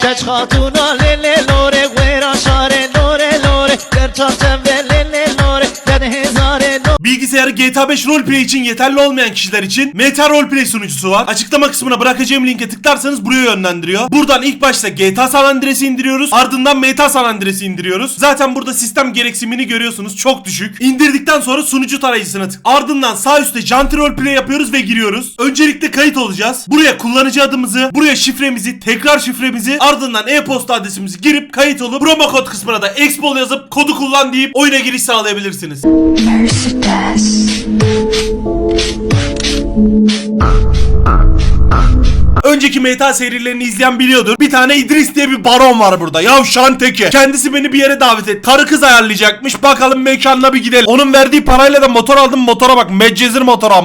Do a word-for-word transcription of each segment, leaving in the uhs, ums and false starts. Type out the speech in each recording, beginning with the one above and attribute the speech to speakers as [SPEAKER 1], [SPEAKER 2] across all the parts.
[SPEAKER 1] Geç hatuna lele lore Güera şare lore lore Gerçan çembe lele lore Dede hezare lore.
[SPEAKER 2] Bilgisayarı G T A beş roleplay için yeterli olmayan kişiler için Meta Roleplay sunucusu var. Açıklama kısmına bırakacağım linke tıklarsanız buraya yönlendiriyor. Buradan ilk başta G T A San Andreas'i indiriyoruz. Ardından Meta San Andreas'i indiriyoruz. Zaten burada sistem gereksinimini görüyorsunuz. Çok düşük. İndirdikten sonra sunucu tarayıcısına tık. Ardından sağ üstte Janti Roleplay yapıyoruz ve giriyoruz. Öncelikle kayıt olacağız. Buraya kullanıcı adımızı, buraya şifremizi, tekrar şifremizi, ardından e-posta adresimizi girip kayıt olup promo kod kısmına da Expol yazıp kodu kullan deyip oyuna giriş sağlayabilirsiniz.
[SPEAKER 3] Mercedes.
[SPEAKER 2] Önceki Meta serilerini izleyen biliyordur. Bir tane İdris diye bir baron var burada. Yavşan teki. Kendisi beni bir yere davet etti. Karı kız ayarlayacakmış. Bakalım mekanına bir gidelim. Onun verdiği parayla da motor aldım. Motora bak. Medcezir motoram.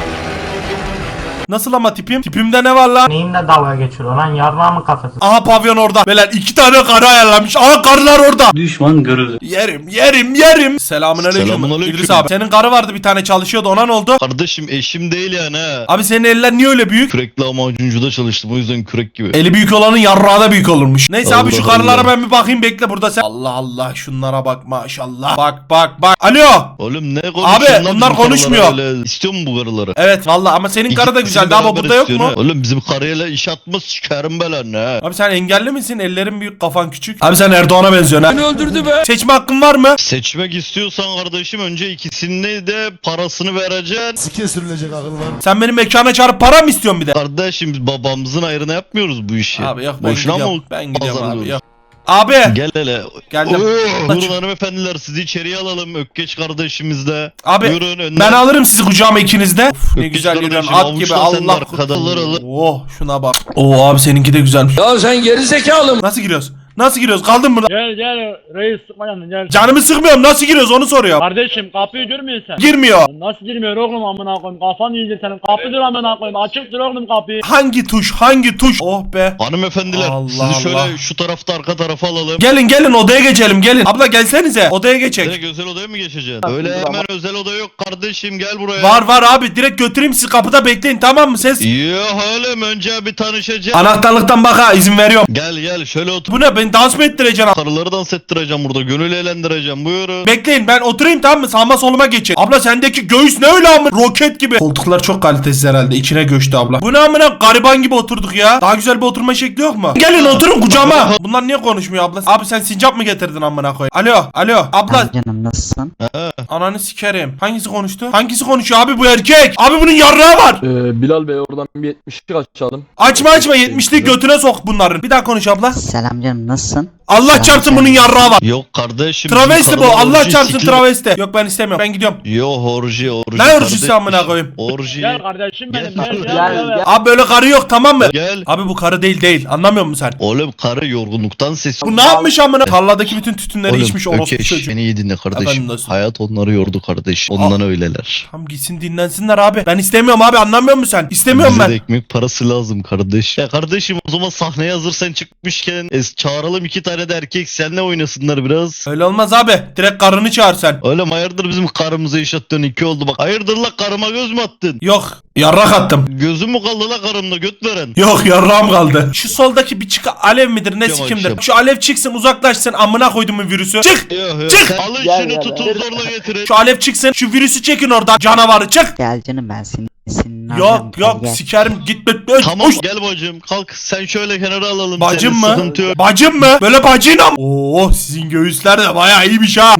[SPEAKER 2] Nasıl ama tipim? Tipimde ne var lan?
[SPEAKER 4] Neyinle dalga geçiyor lan, yarrağı mı kafası?
[SPEAKER 2] Aha pavyon orada. Beyler iki tane karı ayarlamış. Aha karılar orada.
[SPEAKER 5] Düşman görüldü.
[SPEAKER 2] Yerim yerim yerim. Selamünaleyküm.
[SPEAKER 6] Selamünaleyküm.
[SPEAKER 2] İdris abi. Senin karı vardı bir tane çalışıyordu. Ona ne oldu?
[SPEAKER 6] Kardeşim eşim değil yani ha.
[SPEAKER 2] Abi senin eller niye öyle büyük?
[SPEAKER 6] Kürekli amacuncuda çalıştım o yüzden kürek gibi.
[SPEAKER 2] Eli büyük olanın yarrağı da büyük olurmuş. Neyse abi
[SPEAKER 6] Allah
[SPEAKER 2] şu karılara
[SPEAKER 6] Allah.
[SPEAKER 2] ben bir bakayım, bekle burada sen. Allah Allah şunlara bak maşallah. Bak bak bak. Alo.
[SPEAKER 6] Oğlum ne konuşuyorsun
[SPEAKER 2] Abi,
[SPEAKER 6] lan
[SPEAKER 2] bunlar
[SPEAKER 6] bizim
[SPEAKER 2] konuşmuyor.
[SPEAKER 6] karılara öyle? İstiyor mu bu karıları?
[SPEAKER 2] Evet vallahi ama senin karı da
[SPEAKER 6] İkisini
[SPEAKER 2] güzeldi abi,
[SPEAKER 6] beraber
[SPEAKER 2] burada yok mu?
[SPEAKER 6] istiyorsun ha. Oğlum bizim karıyla iş atmaz sikerim belanı ha.
[SPEAKER 2] Abi sen engelli misin? Ellerin büyük, kafan küçük. Abi sen Erdoğan'a benziyorsun ha. Beni öldürdü be. Seçme hakkın var mı?
[SPEAKER 6] Seçmek istiyorsan kardeşim önce ikisini de parasını vereceksin.
[SPEAKER 7] Sike sürülecek akıl var.
[SPEAKER 2] Sen benim mekana çağırıp para mı istiyorsun bir de?
[SPEAKER 6] Kardeşim biz babamızın ayrına yapmıyoruz bu işi.
[SPEAKER 2] Abi yok ben
[SPEAKER 6] Boşuna
[SPEAKER 2] gidiyorum.
[SPEAKER 6] mı
[SPEAKER 2] Ben gidiyorum abi
[SPEAKER 6] pazarlıyoruz?
[SPEAKER 2] yok. Abi.
[SPEAKER 6] Gel hele.
[SPEAKER 2] Geldim.
[SPEAKER 6] Oo, buyurun hanımefendiler sizi içeriye alalım. Ökkeç kardeşimiz de.
[SPEAKER 2] Abi
[SPEAKER 6] Buyurun önden.
[SPEAKER 2] ben alırım sizi kucağıma ikiniz de. Uf, ne
[SPEAKER 6] Ökkeç
[SPEAKER 2] güzel yürüyorsun
[SPEAKER 6] kardeşim,
[SPEAKER 2] at gibi,
[SPEAKER 6] avuçla sen de
[SPEAKER 2] Allah
[SPEAKER 6] arkada alır alır.
[SPEAKER 2] Oh şuna bak. Oo abi seninki de güzelmiş.
[SPEAKER 8] Ya sen geri zekalı mı?
[SPEAKER 2] Nasıl giriyoruz? Nasıl giriyoruz? Kaldın burada.
[SPEAKER 9] Gel gel reis sıkma yanına gel.
[SPEAKER 2] Canımı sıkmıyorum. Nasıl giriyoruz onu soruyorum.
[SPEAKER 9] Kardeşim kapıyı görmüyorsun sen.
[SPEAKER 2] Girmiyor.
[SPEAKER 9] Nasıl girmiyor oğlum amına koyayım, kafan iyice senin. Kapıdır amına koyayım, açıktır oğlum kapıyı.
[SPEAKER 2] Hangi tuş? Hangi tuş? Oh be.
[SPEAKER 6] Hanımefendiler
[SPEAKER 2] Allah
[SPEAKER 6] sizi şöyle
[SPEAKER 2] Allah.
[SPEAKER 6] şu tarafta arka tarafa alalım.
[SPEAKER 2] Gelin gelin odaya geçelim gelin. Abla gelsenize odaya geçek.
[SPEAKER 6] Direkt özel odaya mı geçeceksin? Öyle hemen özel oda yok kardeşim gel buraya.
[SPEAKER 2] Var var abi, direkt götüreyim sizi, kapıda bekleyin tamam mı ses?
[SPEAKER 6] Yok oğlum önce bir tanışacağız.
[SPEAKER 2] Anahtarlıktan bak ha, izin veriyorum.
[SPEAKER 6] Gel gel şöyle otur.
[SPEAKER 2] Bu ne, beni dans mı ettireceksin?
[SPEAKER 6] Karıları dans ettireceğim burada. Gönül eğlendireceğim. Buyurun.
[SPEAKER 2] Bekleyin ben oturayım tamam mı, sağıma soluma geçin. Abla sendeki göğüs ne öyle ama roket gibi. Koltuklar çok kalitesiz herhalde, içine göçtü abla. Bu ne amına, gariban gibi oturduk ya. Daha güzel bir oturma şekli yok mu? Gelin oturun kucağıma. Bunlar niye konuşmuyor abla? Abi sen sincap mı getirdin amına koy? Alo alo abla.
[SPEAKER 3] Canım nasılsın?
[SPEAKER 2] Ananı sikerim. Hangisi konuştu? Hangisi konuşuyor abi, bu erkek? Abi bunun yarrağı var.
[SPEAKER 8] Ee, Bilal Bey oradan bir yetmişlik açalım.
[SPEAKER 2] Açma açma, yetmişlik götüne sok bunların. Bir daha konuş abla.
[SPEAKER 3] Selam canım nasılsın?
[SPEAKER 2] Allah
[SPEAKER 3] Selam
[SPEAKER 2] çarpsın
[SPEAKER 3] canım.
[SPEAKER 2] bunun yarrağı var.
[SPEAKER 6] Yok kardeşim.
[SPEAKER 2] Travesti
[SPEAKER 6] bizim
[SPEAKER 2] bu.
[SPEAKER 6] karılar
[SPEAKER 2] Allah
[SPEAKER 6] orji,
[SPEAKER 2] çarpsın
[SPEAKER 6] sikli-
[SPEAKER 2] travesti. Yok ben istemiyorum. Ben gidiyorum.
[SPEAKER 6] Yo orji orji.
[SPEAKER 2] Ne orjisi
[SPEAKER 6] kardeşim.
[SPEAKER 2] amına koyayım?
[SPEAKER 6] Orji.
[SPEAKER 9] Gel kardeşim benim
[SPEAKER 6] Gel.
[SPEAKER 9] gel gel
[SPEAKER 4] Gel,
[SPEAKER 9] gel.
[SPEAKER 4] gel.
[SPEAKER 2] Abi böyle karı yok tamam mı?
[SPEAKER 6] Gel.
[SPEAKER 2] Abi bu karı değil değil. Anlamıyor musun sen?
[SPEAKER 6] Oğlum karı yorgunluktan sesi.
[SPEAKER 2] Bu ne yapmış amına? Tarladaki bütün tütünleri
[SPEAKER 6] Oğlum
[SPEAKER 2] içmiş orospu
[SPEAKER 6] Ökeş
[SPEAKER 2] çocuğu.
[SPEAKER 6] beni iyi dinle
[SPEAKER 2] Efendim
[SPEAKER 6] kardeşim.
[SPEAKER 2] dostum.
[SPEAKER 6] Hayat onları yordu kardeş. Ondan öyleler.
[SPEAKER 2] Tamam gitsin dinlensinler abi. Ben istemiyorum abi, anlamıyor musun sen? İstemiyorum
[SPEAKER 6] Bize de
[SPEAKER 2] ben.
[SPEAKER 6] ekmek parası lazım kardeş. Ya kardeşim o zaman sahneye hazır sen çıkmışken es çağıralım iki tane de erkek seninle oynasınlar biraz.
[SPEAKER 2] Öyle olmaz abi. Direkt karını çağır sen.
[SPEAKER 6] Oğlum hayırdır bizim karımıza iş attın iki oldu bak. Hayırdır la karıma göz mü attın?
[SPEAKER 2] Yok. Yarrak attım.
[SPEAKER 6] Gözüm mü kaldı la karımla göt veren?
[SPEAKER 2] Yok yarrağım kaldı. Şu soldaki bir çık alev midir ne
[SPEAKER 6] Yok,
[SPEAKER 2] sikimdir?
[SPEAKER 6] yok.
[SPEAKER 2] Şu alev çıksın, uzaklaşsın, amına koydumun virüsü. Çık.
[SPEAKER 6] Yok, yok.
[SPEAKER 2] Çık!
[SPEAKER 6] Alın
[SPEAKER 4] Gel,
[SPEAKER 6] şunu
[SPEAKER 4] gel,
[SPEAKER 6] tutun
[SPEAKER 4] gel.
[SPEAKER 6] zorla getirin.
[SPEAKER 2] Şu alev çıksın. Şu virüsü çekin oradan. Canavarı çık.
[SPEAKER 3] Gel canım ben seni senin alacağım.
[SPEAKER 2] Yok yok
[SPEAKER 3] Gel, gel.
[SPEAKER 2] sikerim gitme.
[SPEAKER 6] Tamam
[SPEAKER 2] Uş.
[SPEAKER 6] gel bacım kalk sen şöyle kenara alalım
[SPEAKER 2] Bacım
[SPEAKER 6] seni,
[SPEAKER 2] mı?
[SPEAKER 6] sıkıntı yok.
[SPEAKER 2] Bacım mı? Böyle bacıyla mı? Oo sizin göğüsler de bayağı iyiymiş ha.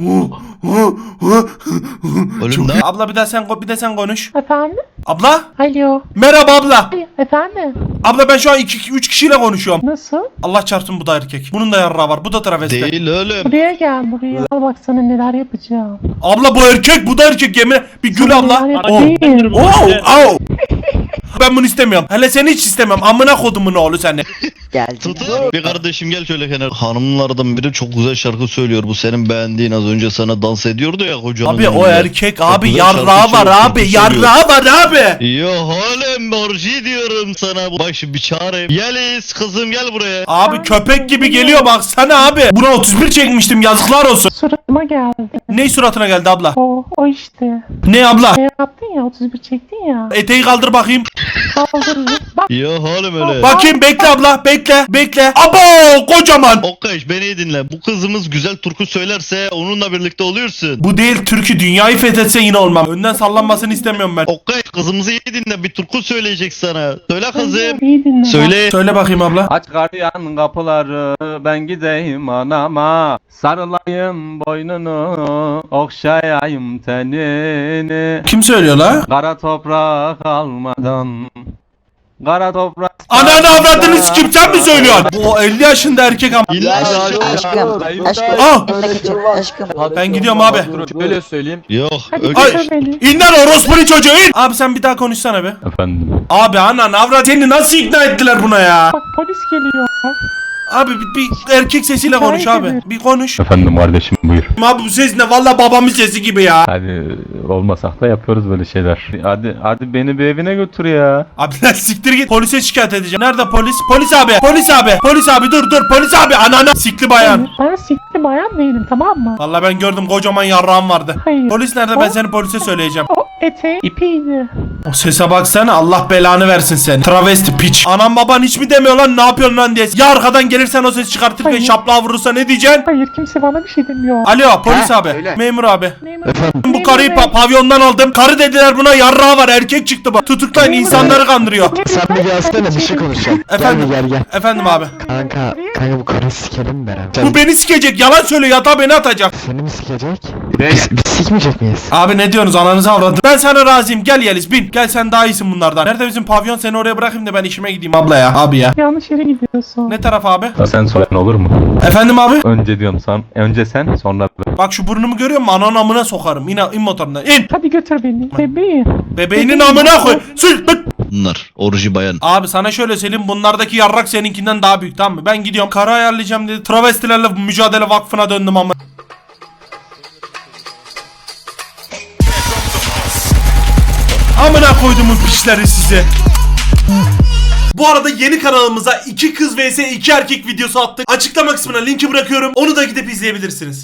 [SPEAKER 6] Oğlum ne?
[SPEAKER 2] Abla bir de sen bir de sen konuş.
[SPEAKER 10] Efendim?
[SPEAKER 2] Abla?
[SPEAKER 10] Alo.
[SPEAKER 2] Merhaba abla.
[SPEAKER 10] Ay, efendim?
[SPEAKER 2] Abla ben şu an iki üç kişiyle konuşuyorum.
[SPEAKER 10] Nasıl?
[SPEAKER 2] Allah çarpsın bu da erkek. Bunun da yarrağı var. Bu da travesti.
[SPEAKER 6] Değil oğlum.
[SPEAKER 10] Buraya gel buraya. Al bak sana neler yapacağım.
[SPEAKER 2] Abla bu erkek, bu da erkek. Yemin bir gül
[SPEAKER 10] Sana
[SPEAKER 2] abla.
[SPEAKER 10] neler
[SPEAKER 2] Oh.
[SPEAKER 10] yapayım?
[SPEAKER 2] Oh, oh. Ben bunu istemiyorum. Hele seni hiç istemem. Amına kodumun oğlu seni.
[SPEAKER 3] Gel canım.
[SPEAKER 6] Tutun. Bir kardeşim gel şöyle kenara. Hanımlardan biri çok güzel şarkı söylüyor. Bu senin beğendiğin az önce sana dans ediyordu ya kocanın.
[SPEAKER 2] Abi o
[SPEAKER 6] önünde.
[SPEAKER 2] erkek
[SPEAKER 6] Çok
[SPEAKER 2] abi
[SPEAKER 6] güzel
[SPEAKER 2] yarrağı
[SPEAKER 6] şarkı
[SPEAKER 2] var
[SPEAKER 6] söylüyor,
[SPEAKER 2] abi.
[SPEAKER 6] söylüyor.
[SPEAKER 2] Yarrağı var abi.
[SPEAKER 6] Yo oğlum orji diyorum sana. Bak şimdi bir çağırayım. Yeliz kızım gel buraya.
[SPEAKER 2] Abi köpek gibi geliyor baksana abi. Buna otuz bir çekmiştim, yazıklar olsun.
[SPEAKER 10] Suratıma geldi.
[SPEAKER 2] Ne suratına geldi abla?
[SPEAKER 10] O, o işte.
[SPEAKER 2] Ne abla?
[SPEAKER 10] Ne yaptın ya otuz bir çektin ya.
[SPEAKER 2] Eteği kaldır bakayım.
[SPEAKER 10] Saldırırız. Bak
[SPEAKER 6] Yok oğlum öyle.
[SPEAKER 2] Bakayım bekle abla bekle bekle. Abo kocaman.
[SPEAKER 6] Okkaş beni iyi dinle. Bu kızımız güzel turku söylerse onunla birlikte oluyorsun.
[SPEAKER 2] Bu değil türkü dünyayı fethetse yine olmam. Önden sallanmasını istemiyorum ben.
[SPEAKER 6] Okkaş kızımızı iyi dinle. Bir turku söyleyecek sana. Söyle kızım.
[SPEAKER 10] iyi dinle.
[SPEAKER 6] Söyle.
[SPEAKER 2] Söyle bakayım abla.
[SPEAKER 5] Aç gardiyan kapıları ben gideyim anama. Sarılayım boynunu okşayayım tenini.
[SPEAKER 2] Kim söylüyor la?
[SPEAKER 5] Kara toprak almadan. Kara toprak.
[SPEAKER 2] Ananı avradını sikim sen mi söylüyorsun? Bu elli yaşında erkek ama.
[SPEAKER 6] İlla
[SPEAKER 3] Aşkım, aşkım, aşkım.
[SPEAKER 2] Ah!
[SPEAKER 3] Önüne geçin, aşkım.
[SPEAKER 2] Ben gidiyorum abi.
[SPEAKER 8] Şöyle söyleyeyim.
[SPEAKER 6] Yok.
[SPEAKER 10] Hadi
[SPEAKER 6] Öyle.
[SPEAKER 10] götür beni.
[SPEAKER 2] İn lan orospunu çocuğu in. Abi sen bir daha konuşsana be.
[SPEAKER 5] Efendim.
[SPEAKER 2] Abi anan avrat seni nasıl ikna ettiler buna ya?
[SPEAKER 10] Bak polis geliyor.
[SPEAKER 2] Abi bir, bir erkek sesiyle konuş abi. Bir konuş.
[SPEAKER 5] Efendim kardeşim buyur.
[SPEAKER 2] Abi bu ses ne? Valla babamın sesi gibi ya.
[SPEAKER 5] Hadi olmasak da yapıyoruz böyle şeyler. Hadi hadi beni bir evine götür ya.
[SPEAKER 2] Abi lan siktir git. Polise şikayet edeceğim. Nerede polis? Polis abi. Polis abi. Polis abi dur dur. Polis abi. Ananı sikli bayan.
[SPEAKER 10] Ben sikli bayan değilim, tamam mı?
[SPEAKER 2] Valla ben gördüm kocaman yarrağım vardı.
[SPEAKER 10] Hayır.
[SPEAKER 2] Polis nerede? Ben
[SPEAKER 10] O-
[SPEAKER 2] seni polise söyleyeceğim.
[SPEAKER 10] O eteği ipiydi.
[SPEAKER 2] O sese baksana Allah belanı versin seni. Travesti piç. Anam baban hiç mi demiyor lan ne yapıyorsun lan diye. Ya arkadan gelirsen o ses çıkartırken
[SPEAKER 10] Hayır.
[SPEAKER 2] şaplağı vurursa ne diyeceksin?
[SPEAKER 10] Hayır, kimse bana bir şey demiyor.
[SPEAKER 2] Alo polis
[SPEAKER 3] Ha,
[SPEAKER 2] abi.
[SPEAKER 3] söyle.
[SPEAKER 2] Memur abi.
[SPEAKER 10] Memur,
[SPEAKER 2] Bu
[SPEAKER 10] memur
[SPEAKER 2] karıyı
[SPEAKER 10] bey.
[SPEAKER 2] pa- pavyondan aldım. Karı dediler buna yarrağı var erkek çıktı bak. Tutuklayın
[SPEAKER 10] Memur
[SPEAKER 2] insanları
[SPEAKER 10] bey.
[SPEAKER 2] kandırıyor.
[SPEAKER 10] Memur
[SPEAKER 3] Sen
[SPEAKER 10] bey,
[SPEAKER 3] bir gelsene bir şey
[SPEAKER 10] ben-
[SPEAKER 3] konuşacağım.
[SPEAKER 2] Efendim?
[SPEAKER 3] Gel bir gel gel.
[SPEAKER 2] Efendim abi.
[SPEAKER 3] Kanka, kanka bu karı sikelim mi beraber?
[SPEAKER 2] Bu beni sikecek yalan söylüyor yatağa beni atacak.
[SPEAKER 3] Seni mi sikecek? Biz, biz sikmeyecek miyiz?
[SPEAKER 2] Abi ne diyorsunuz ananızı avradım. Ben sana razıyım gel Yeliz bin. Gel sen daha iyisin bunlardan. Nerede bizim pavyon seni oraya bırakayım da ben işime gideyim abla ya. Abi ya.
[SPEAKER 10] Yanlış yere gidiyorsun.
[SPEAKER 2] Ne taraf abi?
[SPEAKER 5] Sen soran olur mu?
[SPEAKER 2] Efendim abi?
[SPEAKER 5] Önce diyorum sen. Önce sen sonra ben.
[SPEAKER 2] Bak şu burnumu görüyor musun? Anan amına sokarım. İn, in motorundan. İn.
[SPEAKER 10] Hadi götür beni. Bebeğim.
[SPEAKER 2] Bebeğinin amına koy. Sür. Bık.
[SPEAKER 6] Bunlar. Orucu bayan.
[SPEAKER 2] Abi sana şöyle söyleyeyim. Bunlardaki yarrak seninkinden daha büyük tamam mı? Ben gidiyorum. Karı ayarlayacağım dedi. Travestilerle mücadele vakfına döndüm ama. Amına koyduğumun piçleri size. Bu arada yeni kanalımıza iki kız vs iki erkek videosu attık. Açıklama kısmına linki bırakıyorum. Onu da gidip izleyebilirsiniz.